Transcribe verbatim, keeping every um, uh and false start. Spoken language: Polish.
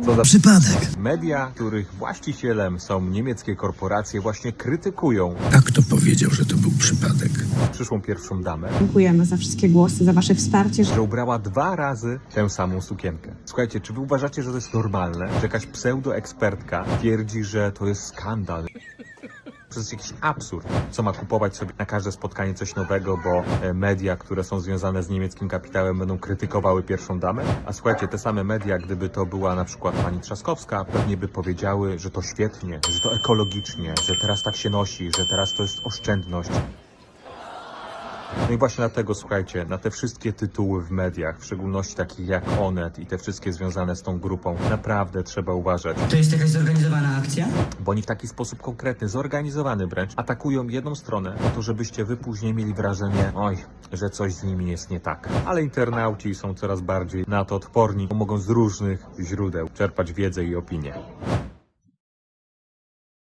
Co za Przypadek. media, których właścicielem są niemieckie korporacje, właśnie krytykują A kto powiedział, że to był przypadek? przyszłą pierwszą damę, Dziękujemy za wszystkie głosy, za wasze wsparcie. że ubrała dwa razy tę samą sukienkę. Słuchajcie, czy wy uważacie, że to jest normalne, że jakaś pseudoekspertka twierdzi, że to jest skandal? To jest jakiś absurd. Co ma kupować sobie na każde spotkanie coś nowego, bo e, media, które są związane z niemieckim kapitałem, będą krytykowały pierwszą damę? A słuchajcie, te same media, gdyby to była na przykład pani Trzaskowska, pewnie by powiedziały, że to świetnie, że to ekologicznie, że teraz tak się nosi, że teraz to jest oszczędność. No i właśnie dlatego, słuchajcie, na te wszystkie tytuły w mediach, w szczególności takich jak Onet i te wszystkie związane z tą grupą, naprawdę trzeba uważać. To jest jakaś zorganizowana akcja? Bo oni w taki sposób konkretny, zorganizowany wręcz, atakują jedną stronę po to, żebyście wy później mieli wrażenie, oj, że coś z nimi jest nie tak. Ale internauci są coraz bardziej na to odporni, bo mogą z różnych źródeł czerpać wiedzę i opinie.